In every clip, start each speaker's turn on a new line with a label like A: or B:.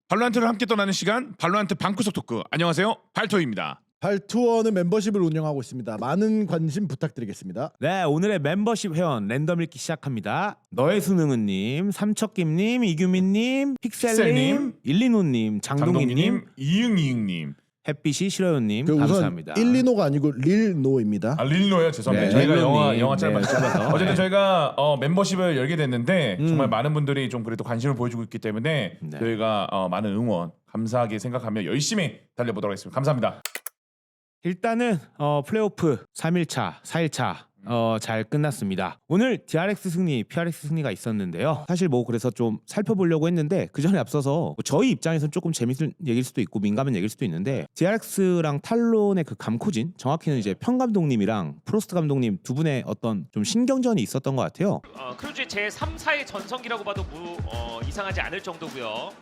A: 발로란트를 함께 떠나는 시간, 발로란트 방구석 토크. 안녕하세요, 발토입니다.
B: 발투어는 멤버십을 운영하고 있습니다. 많은 관심 부탁드리겠습니다.
C: 네, 오늘의 멤버십 회원 랜덤 읽기 시작합니다. 너의 수능은님, 삼척김님, 이규민님, 픽셀님, 일리노님, 장동희님,
A: 이응이응님.
C: 햇빛이 싫어요님
B: 우선
C: 감사합니다.
B: 일리노가 아니고 릴노입니다.
A: 아, 릴노요? 죄송합니다.
C: 네,
A: 저희가
C: 릴노님.
A: 영화 짧아서.
C: 짧아서.
A: 어쨌든 저희가 멤버십을 열게 됐는데
C: 음.
A: 정말 많은 분들이 좀 그래도 관심을 보여주고 있기 때문에
C: 네.
A: 저희가 많은 응원 감사하게 생각하며 열심히 달려보도록 하겠습니다. 감사합니다.
C: 일단은 플레이오프 3일차, 4일차 잘 끝났습니다. 오늘 DRX 승리, PRX 승리가 있었는데요. 사실 뭐 그래서 좀 살펴보려고 했는데 그 전에 앞서서 뭐 저희 입장에서는 조금 재밌을 얘기일 수도 있고 민감한 얘기일 수도 있는데 DRX랑 탈론의 그 감코진, 정확히는 이제 편 감독님이랑 프로스트 감독님 두 분의 어떤 좀 신경전이 있었던 것 같아요.
D: 크루즈의 제 3, 4의 전성기라고 봐도 이상하지 않을 정도고요.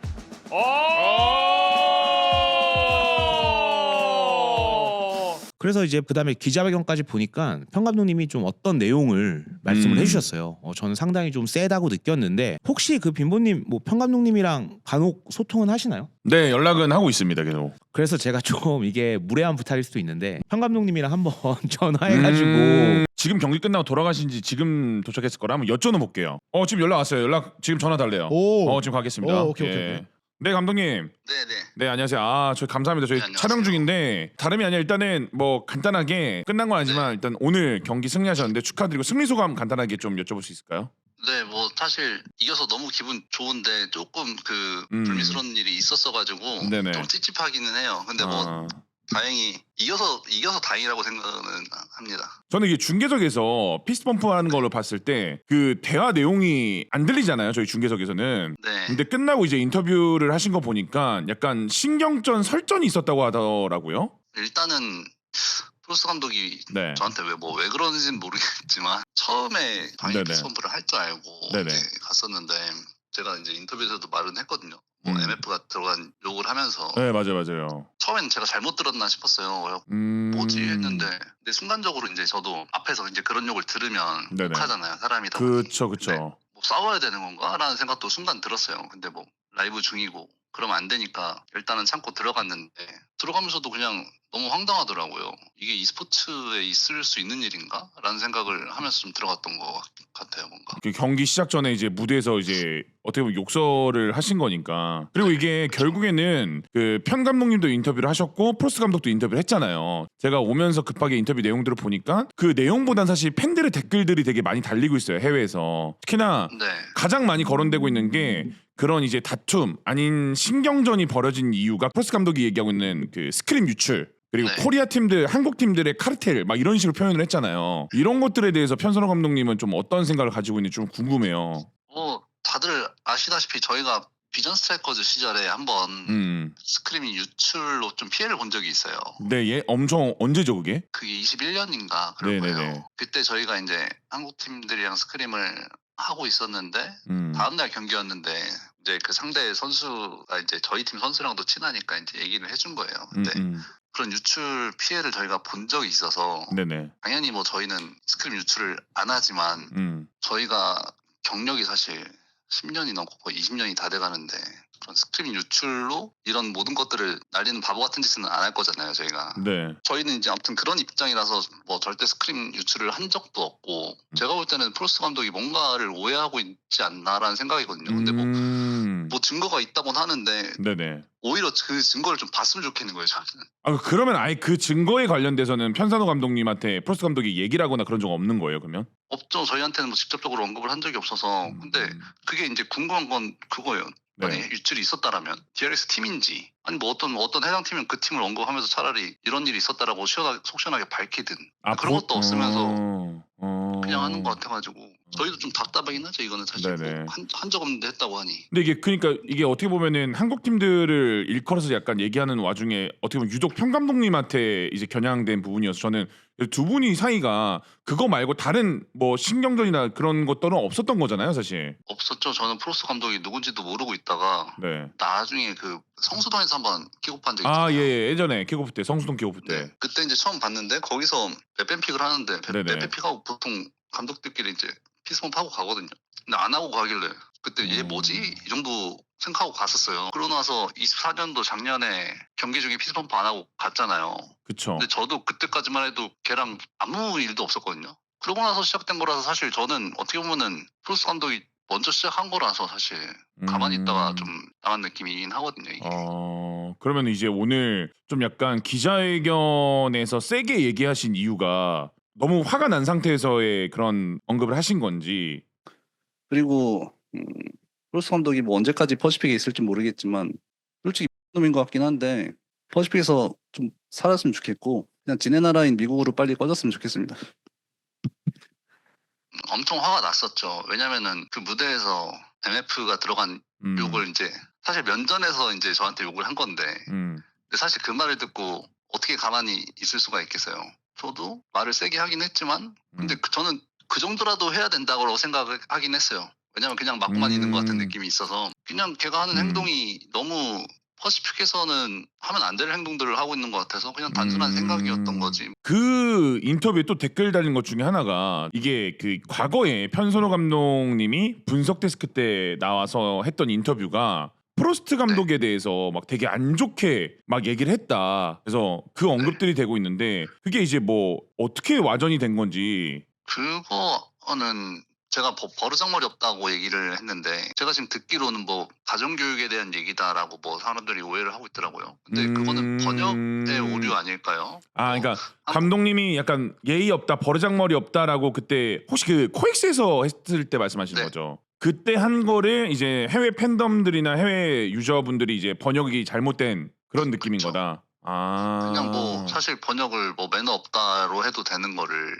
C: 그래서 이제 그다음에 기자회견까지 보니까 편 감독님이 좀 어떤 내용을 말씀을 해주셨어요. 저는 상당히 좀 세다고 느꼈는데 혹시 그 빈보님 뭐 편 감독님이랑 간혹 소통은 하시나요?
A: 네, 연락은 하고 있습니다. 계속.
C: 그래서 제가 좀 이게 무례한 부탁일 수도 있는데 편 감독님이랑 한번 전화해가지고
A: 지금 경기 끝나고 돌아가신 지 지금 도착했을 거라 한번 여쭤는 볼게요. 지금 연락 왔어요. 연락 지금 전화 달래요.
B: 오.
A: 지금 가겠습니다.
B: 오케이.
A: 네, 감독님.
E: 네네.
A: 네, 안녕하세요. 저희 감사합니다. 저희
E: 네, 안녕하세요.
A: 촬영 중인데 다름이 아니라 일단은 뭐 간단하게 끝난 건 아니지만 일단 오늘 경기 승리하셨는데 축하드리고 승리 소감 간단하게 좀 여쭤볼 수 있을까요?
E: 네, 뭐 사실 이겨서 너무 기분 좋은데 조금 그 불미스러운 일이 있었어가지고
A: 네네.
E: 좀 찝찝하기는 해요. 근데 뭐 다행히 이겨서 다행이라고 생각은 합니다.
A: 저는 이게 중계석에서 피스트 펌프 하는 걸로 봤을 때 그 대화 내용이 안 들리잖아요. 저희 중계석에서는.
E: 네.
A: 근데 끝나고 이제 인터뷰를 하신 거 보니까 약간 신경전 설전이 있었다고 하더라고요.
E: 일단은 프로스 감독이
A: 네.
E: 저한테 왜 그러는지는 모르겠지만 처음에 당연히
A: 네네.
E: 피스펌프를 할 줄 알고
A: 네네.
E: 이제 갔었는데 제가 이제 인터뷰에서도 말은 했거든요. 뭐
A: 음.
E: MF가 들어간 욕을 하면서
A: 네, 맞아요.
E: 처음엔 제가 잘못 들었나 싶었어요. 뭐지 했는데 근데 순간적으로 이제 저도 앞에서 이제 그런 욕을 들으면
A: 네네.
E: 욕하잖아요. 사람이다 보니.
A: 그쵸.
E: 근데 뭐 싸워야 되는 건가라는 생각도 순간 들었어요. 근데 뭐 라이브 중이고 그러면 안 되니까 일단은 참고 들어갔는데 들어가면서도 그냥 너무 황당하더라고요. 이게 e스포츠에 있을 수 있는 일인가? 라는 생각을 하면서 좀 들어갔던 것 같아요. 뭔가.
A: 그 경기 시작 전에 이제 무대에서 이제 어떻게 보면 욕설을 하신 거니까. 그리고 이게 결국에는 그 편 감독님도 인터뷰를 하셨고 프로스 감독도 인터뷰를 했잖아요. 제가 오면서 급하게 인터뷰 내용들을 보니까 그 내용보단 사실 팬들의 댓글들이 되게 많이 달리고 있어요. 해외에서. 특히나
E: 네.
A: 가장 많이 거론되고 있는 게 그런 이제 다툼 아닌 신경전이 벌어진 이유가 프로스 감독이 얘기하고 있는 그 스크림 유출 그리고
E: 네.
A: 코리아 팀들, 한국 팀들의 카르텔 막 이런 식으로 표현을 했잖아요. 이런 것들에 대해서 편선호 감독님은 좀 어떤 생각을 가지고 있는지 좀 궁금해요.
E: 뭐 다들 아시다시피 저희가 비전 스트라이커즈 시절에 한번 스크림이 유출로 좀 피해를 본 적이 있어요.
A: 네, 얘 엄청 언제죠 그게?
E: 그게 21년인가 그럴
A: 네네네.
E: 거예요. 그때 저희가 이제 한국 팀들이랑 스크림을 하고 있었는데 다음날 경기였는데 이제 그 상대 선수가 이제 저희 팀 선수랑도 친하니까 이제 얘기를 해준 거예요. 근데 그런 유출 피해를 저희가 본 적이 있어서
A: 네네.
E: 당연히 뭐 저희는 스크림 유출을 안 하지만 저희가 경력이 사실 10년이 넘고 거의 20년이 다 돼가는데 그런 스크림 유출로 이런 모든 것들을 날리는 바보 같은 짓은 안 할 거잖아요. 저희가.
A: 네.
E: 저희는 이제 아무튼 그런 입장이라서 뭐 절대 스크림 유출을 한 적도 없고 제가 볼 때는 프로스 감독이 뭔가를 오해하고 있지 않나라는 생각이거든요. 근데 뭐 증거가 있다고는 하는데
A: 네네.
E: 오히려 그 증거를 좀 봤으면 좋겠는 거예요. 저는.
A: 그러면 아예 그 증거에 관련돼서는 편산호 감독님한테 프로스 감독이 얘기를 하거나 그런 적 없는 거예요 그러면?
E: 없죠. 저희한테는 뭐 직접적으로 언급을 한 적이 없어서 근데 그게 이제 궁금한 건 그거예요. 만약에
A: 네.
E: 유출이 있었다라면 DRX 팀인지 아니 뭐 어떤 해당 팀은 그 팀을 언급하면서 차라리 이런 일이 있었다라고 속 시원하게 밝히든 그런 것도 없으면서 그냥 하는 것 같아가지고 저희도 좀 답답하긴 하죠. 이거는 사실
A: 네네.
E: 뭐 한 적 없는데 했다고 하니.
A: 근데 이게 그러니까 이게 어떻게 보면은 한국 팀들을 일컬어서 약간 얘기하는 와중에 어떻게 보면 유독 편 감독님한테 이제 겨냥된 부분이어서 저는 두 분이 사이가 그거 말고 다른 뭐 신경전이나 그런 것들은 없었던 거잖아요 사실.
E: 없었죠. 저는 프로스 감독이 누군지도 모르고 있다가
A: 네.
E: 나중에 그 성수동에서 한번 킥오프한 적이
A: 아,
E: 있잖아요.
A: 예, 예전에 킥오프 때 성수동 킥오프 때.
E: 네. 그때 이제 처음 봤는데 거기서 랩밴픽을 하는데
A: 네네.
E: 랩밴픽하고 보통 감독들끼리 이제 피스펌프 하고 가거든요. 근데 안 하고 가길래 그때 얘 뭐지? 이 정도 생각하고 갔었어요. 그러고 나서 24년도 작년에 경기 중에 피스펌프 안 하고 갔잖아요.
A: 그쵸.
E: 근데 저도 그때까지만 해도 걔랑 아무 일도 없었거든요. 그러고 나서 시작된 거라서 사실 저는 어떻게 보면은 프로스 감독이 먼저 시작한 거라서 사실 가만히 있다가 좀 나간 느낌이긴 하거든요. 이게.
A: 그러면 이제 오늘 좀 약간 기자회견에서 세게 얘기하신 이유가 너무 화가 난 상태에서의 그런 언급을 하신 건지.
F: 그리고 프로스 감독이 뭐 언제까지 퍼시픽에 있을지 모르겠지만 솔직히 놈인 것 같긴 한데 퍼시픽에서 좀 살았으면 좋겠고 그냥 지네 나라인 미국으로 빨리 꺼졌으면 좋겠습니다.
E: 엄청 화가 났었죠. 왜냐면은 그 무대에서 MF가 들어간 욕을 이제 사실 면전에서 이제 저한테 욕을 한 건데 근데 사실 그 말을 듣고 어떻게 가만히 있을 수가 있겠어요. 저도 말을 세게 하긴 했지만 근데 저는 그 정도라도 해야 된다고 생각을 하긴 했어요. 왜냐면 그냥 맞고만 있는 것 같은 느낌이 있어서 그냥 걔가 하는 행동이 너무 퍼시픽에서는 하면 안 될 행동들을 하고 있는 것 같아서 그냥 단순한 생각이었던 거지.
A: 그 인터뷰에 또 댓글 달린 것 중에 하나가 이게 그 과거에 편선호 감독님이 분석 데스크 때 나와서 했던 인터뷰가 프로스트 감독에 대해서 막 되게 안 좋게 막 얘기를 했다. 그래서 그 언급들이 되고 있는데 그게 이제 뭐 어떻게 와전이 된 건지.
E: 그거는 제가 버르장머리 없다고 얘기를 했는데 제가 지금 듣기로는 뭐 가정교육에 대한 얘기다라고 뭐 사람들이 오해를 하고 있더라고요. 근데 그거는 번역의 오류 아닐까요?
A: 그러니까 감독님이 약간 예의 없다, 버르장머리 없다라고 그때 혹시 그 코엑스에서 했을 때 말씀하시는 거죠? 그때 한 거를 이제 해외 팬덤들이나 해외 유저분들이 이제 번역이 잘못된 그런 느낌인 거다.
E: 그냥 뭐 사실 번역을 뭐 매너 없다로 해도 되는 거를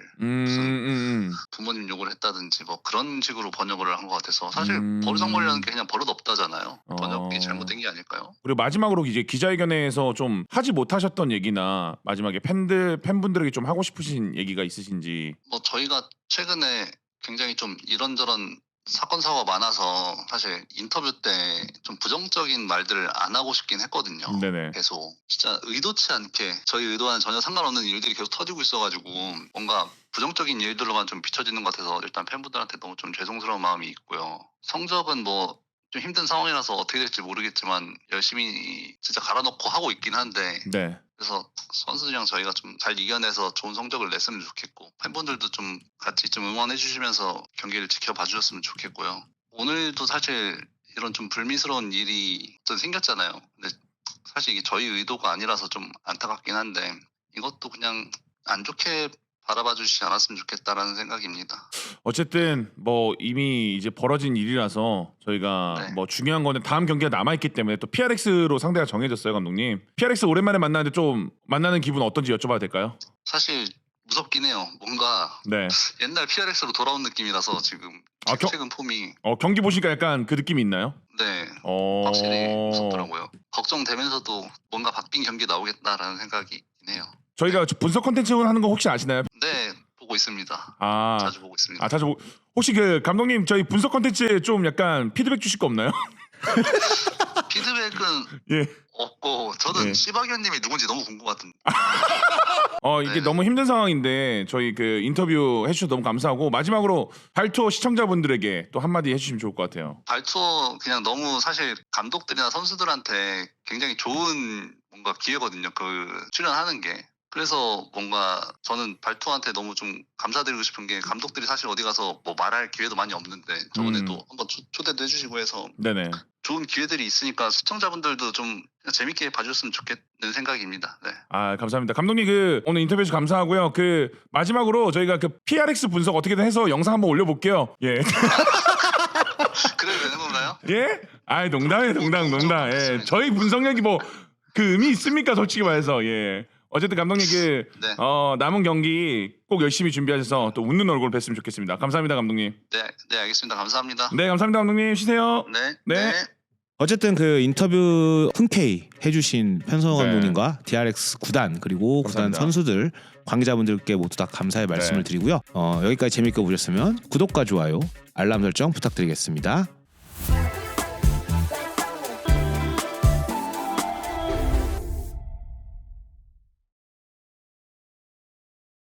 E: 무슨 부모님 욕을 했다든지 뭐 그런 식으로 번역을 한 것 같아서 사실 버르장머리라는 게 그냥 버릇 없다잖아요. 번역이 잘못된 게 아닐까요?
A: 그리고 마지막으로 이제 기자회견에서 좀 하지 못하셨던 얘기나 마지막에 팬분들에게 좀 하고 싶으신 얘기가 있으신지.
E: 뭐 저희가 최근에 굉장히 좀 이런저런 사건 사고가 많아서 사실 인터뷰 때 좀 부정적인 말들을 안 하고 싶긴 했거든요.
A: 네네.
E: 계속 진짜 의도치 않게 저희 의도와는 전혀 상관없는 일들이 계속 터지고 있어가지고 뭔가 부정적인 일들로만 좀 비춰지는 것 같아서 일단 팬분들한테 너무 좀 죄송스러운 마음이 있고요. 성적은 뭐 좀 힘든 상황이라서 어떻게 될지 모르겠지만 열심히 진짜 갈아넣고 하고 있긴 한데
A: 네.
E: 그래서 선수들이랑 저희가 좀 잘 이겨내서 좋은 성적을 냈으면 좋겠고 팬분들도 좀 같이 좀 응원해 주시면서 경기를 지켜봐 주셨으면 좋겠고요. 오늘도 사실 이런 좀 불미스러운 일이 좀 생겼잖아요. 근데 사실 이게 저희 의도가 아니라서 좀 안타깝긴 한데 이것도 그냥 안 좋게 바라봐 주시지 않았으면 좋겠다라는 생각입니다.
A: 어쨌든 뭐 이미 이제 벌어진 일이라서 저희가 뭐 중요한 거는 다음 경기가 남아 있기 때문에 또 PRX로 상대가 정해졌어요, 감독님. PRX 오랜만에 만나는데 좀 만나는 기분 어떤지 여쭤봐도 될까요?
E: 사실 무섭긴 해요. 뭔가 옛날 PRX로 돌아온 느낌이라서 지금 최근 폼이
A: 경기 보시니까 약간 그 느낌이 있나요?
E: 네, 확실히 무섭더라고요. 걱정되면서도 뭔가 바뀐 경기 나오겠다라는 생각이 해요.
A: 저희가 분석 콘텐츠 하는 거 혹시 아시나요?
E: 네, 보고 있습니다. 자주 보고 있습니다.
A: 혹시 그 감독님 저희 분석 콘텐츠에 좀 약간 피드백 주실 거 없나요?
E: 피드백은 없고 저는 시바견님이 누군지 너무 궁금하던데.
A: 이게 너무 힘든 상황인데 저희 그 인터뷰 해주셔서 너무 감사하고 마지막으로 발투어 시청자분들에게 또 한마디 해주시면 좋을 것 같아요.
E: 발투어 그냥 너무 사실 감독들이나 선수들한테 굉장히 좋은 뭔가 기회거든요. 그 출연하는 게. 그래서 뭔가 저는 발투어한테 너무 좀 감사드리고 싶은 게 감독들이 사실 어디 가서 뭐 말할 기회도 많이 없는데 저번에도 한번 초대도 해주시고 해서
A: 네네.
E: 좋은 기회들이 있으니까 시청자분들도 좀 재밌게 봐주셨으면 좋겠는 생각입니다. 네.
A: 감사합니다. 감독님 그 오늘 인터뷰 해주셔서 감사하고요. 그 마지막으로 저희가 그 PRX 분석 어떻게든 해서 영상 한번 올려볼게요. 예.
E: 그래도 되는 건가요?
A: 예? 농담이에요, 농담. 예. 저희 분석력이 뭐 그 의미 있습니까, 솔직히 말해서. 예. 어쨌든 감독님 그 남은 경기 꼭 열심히 준비하셔서 또 웃는 얼굴 뵀으면 좋겠습니다. 감사합니다, 감독님.
E: 네, 알겠습니다. 감사합니다.
A: 네, 감사합니다, 감독님. 쉬세요.
E: 네.
C: 어쨌든 그 인터뷰 흔쾌히 해주신 편성호 감독님과 DRX 구단 그리고 구단 선수들 관계자분들께 모두 다 감사의 말씀을 드리고요. 여기까지 재밌게 보셨으면 구독과 좋아요, 알람 설정 부탁드리겠습니다.